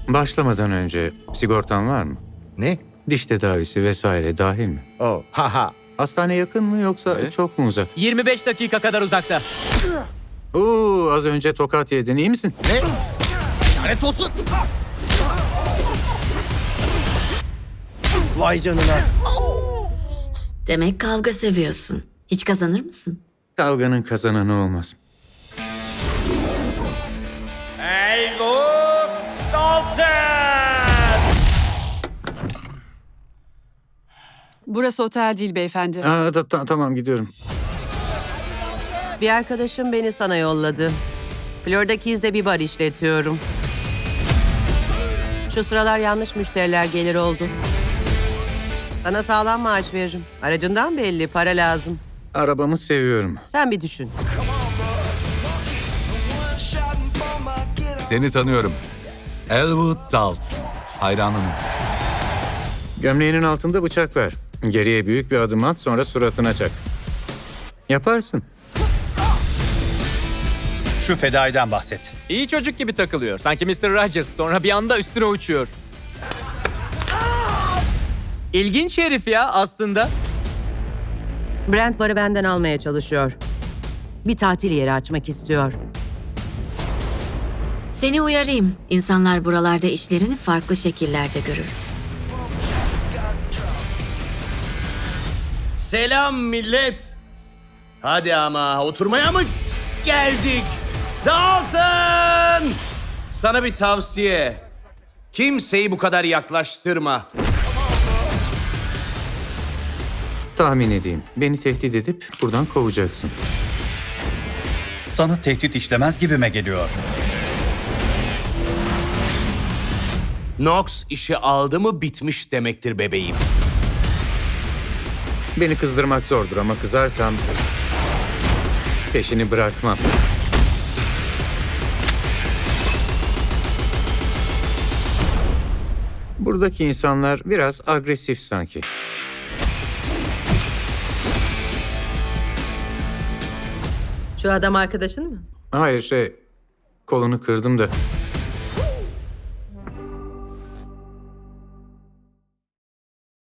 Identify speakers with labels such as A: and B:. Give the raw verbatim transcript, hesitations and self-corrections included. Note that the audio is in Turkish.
A: Başlamadan önce sigortan var mı?
B: Ne?
A: Diş tedavisi vesaire dahil mi?
B: Oh, haha.
A: Hastane yakın mı yoksa çok mu uzak?
C: yirmi beş dakika kadar uzakta.
A: Oo, az önce tokat yedin, iyi misin?
B: Ne? Lanet olsun. Vay canına.
D: Demek kavga seviyorsun. Hiç kazanır mısın?
A: Kavganın kazananı olmaz.
E: Helmut Dalton!
F: Burası otel değil beyefendi.
A: Aa, da, ta- tamam gidiyorum.
G: Bir arkadaşım beni sana yolladı. Florida Keys'de bir bar işletiyorum. Şu sıralar yanlış müşteriler gelir oldu. Sana sağlam maaş veririm. Aracından belli, para lazım.
A: Arabamı seviyorum.
G: Sen bir düşün.
H: Seni tanıyorum. Elwood Dalt. Hayranınım.
A: Gömleğinin altında bıçak ver. Geriye büyük bir adım at, sonra suratına çak. Yaparsın.
I: Şu fedaiden bahset.
C: İyi çocuk gibi takılıyor. Sanki mister Rogers, sonra bir anda üstüne uçuyor. İlginç herif ya aslında.
G: Brent barı benden almaya çalışıyor. Bir tatil yeri açmak istiyor.
D: Seni uyarayım. İnsanlar buralarda işlerini farklı şekillerde görür.
E: Selam millet. Hadi ama oturmaya mı geldik? Dalton! Sana bir tavsiye. Kimseyi bu kadar yaklaştırma.
A: Tahmin edeyim. Beni tehdit edip buradan kovacaksın.
I: Sana tehdit işlemez gibime geliyor.
E: Knox işi aldı mı bitmiş demektir bebeğim.
A: Beni kızdırmak zordur ama kızarsam peşini bırakmam. Buradaki insanlar biraz agresif sanki.
G: Şu adam arkadaşın mı?
A: Hayır şey, kolunu kırdım da